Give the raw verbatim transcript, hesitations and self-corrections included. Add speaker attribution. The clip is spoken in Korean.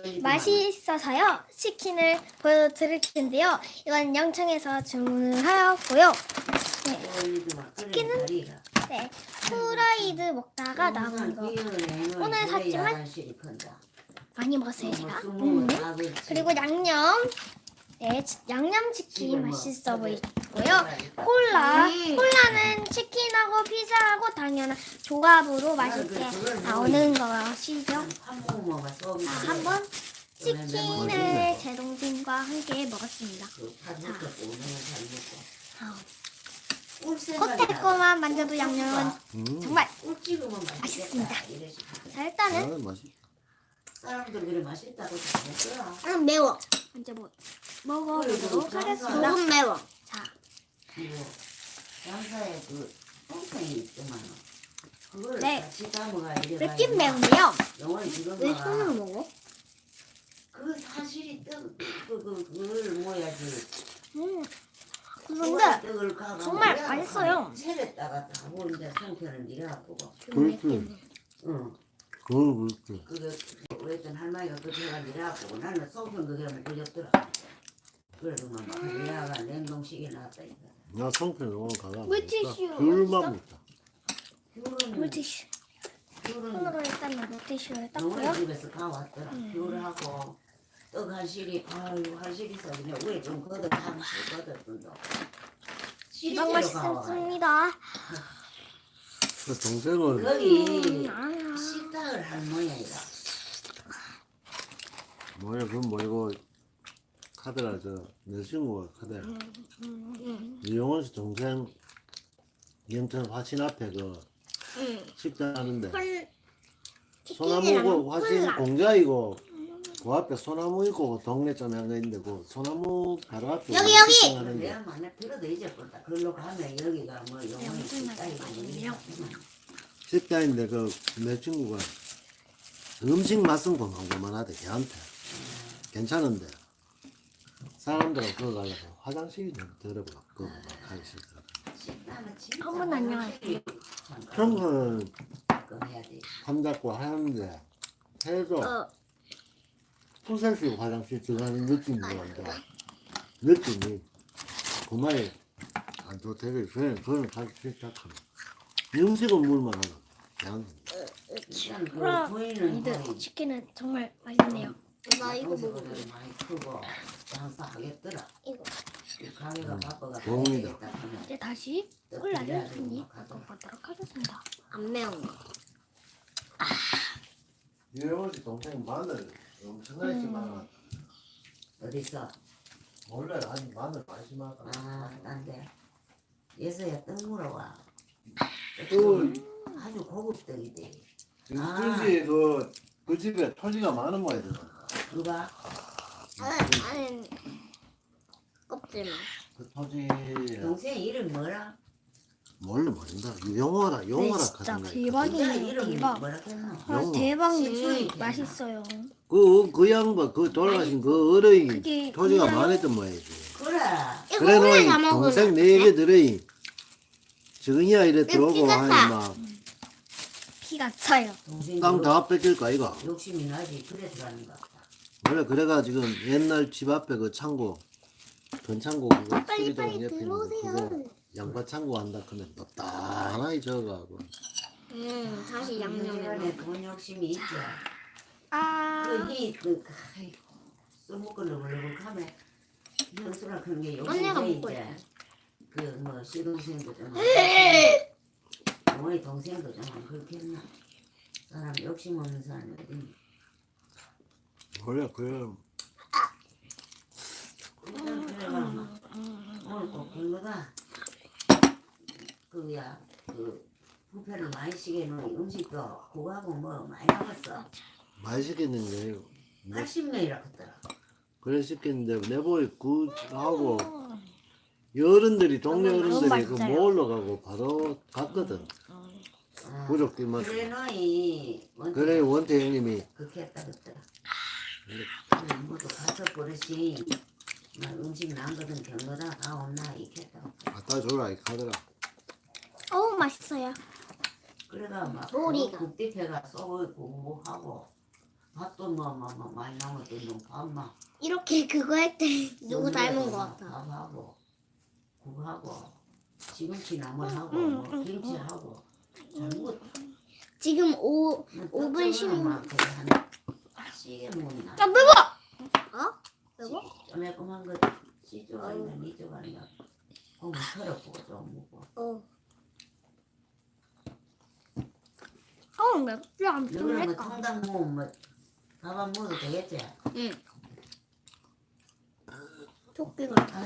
Speaker 1: 맛있어서요. 치킨을 보여드릴 텐데요. 이건 영창에서 주문을 하였고요. 네, 치킨은 네, 프라이드 먹다가 남은 거. 오늘 샀지만 많이 먹었어요 제가. 음. 그리고 양념. 네, 양념치킨 맛있어 보이고요. 콜라. 콜라는 치킨하고 피자하고 당연한 조합으로 맛있게 나오는 것이죠. 자, 한번 치킨을 제 동생과 함께 먹었습니다. 자, 콧대꼬만 만져도 양념은
Speaker 2: 음.
Speaker 1: 정말 맛있습니다. 자, 일단은
Speaker 3: 사람들 그래 맛있다고 잘했더라.
Speaker 1: 음, 매워. 먼저 뭐 먹어보도록 하겠습니다.
Speaker 4: 조금 매워.
Speaker 1: 자,
Speaker 3: 그리고 양사에 그 똥탱이 있더만 그걸
Speaker 1: 네.
Speaker 3: 같이 담아가 이래
Speaker 1: 맵긴 매운데요.
Speaker 3: 영원히 지금
Speaker 4: 왜 손으로 먹어?
Speaker 3: 그 사실이 떡, 그, 그, 그걸 뭐야지.
Speaker 1: 음,
Speaker 3: 근데
Speaker 1: 근데 정말 맛있어요.
Speaker 3: 체랬다가 다 보는데 성편은 이래갖고.
Speaker 2: 그렇지.
Speaker 3: 응.
Speaker 2: 그건 그렇지.
Speaker 3: 그게 어떤 할머니가 그 제가 이래갖고 나는 성편 그게 뭐 걸렸더라. 그래도 막 이래가 냉동식에 놨다니까.
Speaker 2: 나 성편 오늘 가라.
Speaker 1: 물티슈
Speaker 2: 귤만
Speaker 1: 어딨어?
Speaker 2: 먹자.
Speaker 3: 귤은
Speaker 1: 물티슈.
Speaker 3: 귤은
Speaker 1: 손으로 일단 물티슈를
Speaker 3: 영원히
Speaker 1: 닦고요.
Speaker 3: 집에서 가왔더라. 귤하고 떡 한실이 아유 한실이 있어지네. 위에 좀 걷어 한실 걷어준다.
Speaker 1: 이건 맛있습니다.
Speaker 2: 그 동생은
Speaker 3: 거기
Speaker 1: 아,
Speaker 3: 식당을 한 모양이다.
Speaker 2: 뭐야 그건 뭐이고 카드라 저내 친구가 카드야. 이용원 씨 동생 영천 화신 앞에 그
Speaker 4: 응.
Speaker 2: 식당 하는데
Speaker 4: 콜
Speaker 2: 소나무고 화신
Speaker 4: 콜라.
Speaker 2: 공자이고 그 앞에 소나무 있고 그 동네 좀 한 거 있는데 그 소나무 바로 앞에
Speaker 4: 여기,
Speaker 2: 그
Speaker 4: 여기!
Speaker 2: 식당 하는데
Speaker 3: 내가 만약 들어도 잊어버렸다. 그걸로 가면 여기가 뭐 영원히 식당이고
Speaker 2: 식당인데 그 내 친구가 음식 맛은 고만고만하대 걔한테 괜찮은데 사람들은 그거 가려고 화장실이 좀 더러워 그거 막 하기 싫더라.
Speaker 3: 식당은 진짜
Speaker 1: 한분 안녕하세요.
Speaker 2: 평소는
Speaker 3: 해야 돼.
Speaker 2: 삼잡고 하는데 해도
Speaker 4: 어.
Speaker 2: 후생식 화장실 들어가는 느낌이 나는데 느낌이 그 말이 안 좋대요. 그냥 그건 가기 싫다 하면 음식은 물만 하나 그냥
Speaker 3: 일단 그
Speaker 1: 그럼
Speaker 3: 보이는
Speaker 1: 이들 치킨은 정말 맛있네요.
Speaker 4: 나 이거 먹어.
Speaker 3: 동생들이 많이 크고 장사하겠더라.
Speaker 4: 이거.
Speaker 3: 그 가게가 바빠가
Speaker 2: 도움이다.
Speaker 1: 이제 다시 콜라를 한입 먹어보도록 하겠습니다.
Speaker 4: 안 매운 거.
Speaker 2: 이영원 씨 동생 마늘 엄청나게 심하다.
Speaker 3: 어디서?
Speaker 2: 원래 아니 마늘 많이 심하다.
Speaker 3: 아, 난데 예서야 떡 물어와.
Speaker 2: 그
Speaker 3: 아주 고급 떡이대.
Speaker 2: 윤준씨 그, 그 집에 토지가 많은 모양이잖아.
Speaker 3: 누가?
Speaker 4: 아니, 아니. 껍질만.
Speaker 2: 그 토지
Speaker 3: 동생 이름 뭐라?
Speaker 2: 몰래 모른다. 영어라 영어라
Speaker 1: 네, 진짜
Speaker 2: 하던가.
Speaker 1: 대박이에요.
Speaker 3: 동생 이름
Speaker 1: 대박.
Speaker 3: 뭐라 했노?
Speaker 1: 아,
Speaker 2: 영어.
Speaker 1: 대박
Speaker 3: 신선이
Speaker 1: 음, 맛있어요.
Speaker 2: 그, 그 양반, 그 돌아가신 그 어른이
Speaker 1: 그게
Speaker 2: 토지가
Speaker 1: 그냥-
Speaker 2: 많았던 모양이지.
Speaker 3: 그래.
Speaker 4: 이거
Speaker 2: 그래
Speaker 4: 오늘
Speaker 2: 놓이
Speaker 4: 다 먹으면
Speaker 2: 동생 네 개 들어이. 정이야 이래 들어오고
Speaker 4: 피가
Speaker 2: 하니
Speaker 4: 차.
Speaker 2: 막
Speaker 1: 피가 차요.
Speaker 3: 동생
Speaker 2: 땅 다 뺏길 거 아이가.
Speaker 3: 욕심이 나지. 그래 들어가는 거 같다.
Speaker 2: 원래 그래가 지금 옛날 집 앞에 그 창고 전 창고 그거
Speaker 4: 빨리
Speaker 2: 수리동
Speaker 4: 빨리
Speaker 2: 옆에 있는
Speaker 4: 들어오세요.
Speaker 2: 그거 양파 창고 한다 그러면 덥다하게 저어가고
Speaker 4: 음, 다시 양념에
Speaker 3: 양념에 돈 욕심이 있지.
Speaker 1: 아,
Speaker 3: 그이 그 아이고 술 먹고 너글너글하면 현수라 그런 게
Speaker 4: 언니가
Speaker 3: 욕심이
Speaker 4: 먹고
Speaker 3: 이제 그뭐 시동생도 좀 어머니 동생도 좀 그렇게 했나. 사람 욕심 없는 사람이 어디.
Speaker 2: 원래 그래
Speaker 3: 일단 그래가 막 오늘 꼭 별로다. 그야 그 부패를 많이 시게 놓은 음식도 그거하고 뭐 많이 남았어.
Speaker 2: 많이 시켰는 게 뭐,
Speaker 3: 팔십 명이라 했더라.
Speaker 2: 그래 시켰는데 내보이 그 하고 어른들이 동네 어른들이 그
Speaker 1: 맞아요.
Speaker 2: 모으러 가고 바로 갔거든.
Speaker 3: 아,
Speaker 2: 부족기만
Speaker 3: 그래 너희
Speaker 2: 그래 원태 형님이
Speaker 3: 그렇게 했다 그랬더라. 그래 모두 가서 버릇이 막 음식 남거든 경로다 가온나 이렇게 했다고.
Speaker 2: 갖다 줘라 이 카드라.
Speaker 1: 어우 맛있어요.
Speaker 3: 그래가 막
Speaker 4: 머리가.
Speaker 3: 국대패가 쏘고 있고 뭐 하고 밥도 또뭐뭐뭐 많이 남았던 놈 밥만
Speaker 4: 이렇게 그거 할 때 누구 닮은 거 같아.
Speaker 3: 밥하고 국하고 시금치 나물하고
Speaker 4: 응,
Speaker 3: 뭐
Speaker 4: 응,
Speaker 3: 김치하고 잘못
Speaker 4: 지금 오 오 분 십 분.
Speaker 3: 시게 먹나
Speaker 4: 아 매워. 어? 매워?
Speaker 3: 매콤한 거 시쪽 아니면 니쪽 아니면 고기 털어보고 좀 먹고
Speaker 4: 어. 어 맵지 않긴
Speaker 3: 너는 뭐
Speaker 4: 할까?
Speaker 3: 통닭 먹으면 뭐 밥 안 먹어도 되겠지?
Speaker 4: 응. 토끼가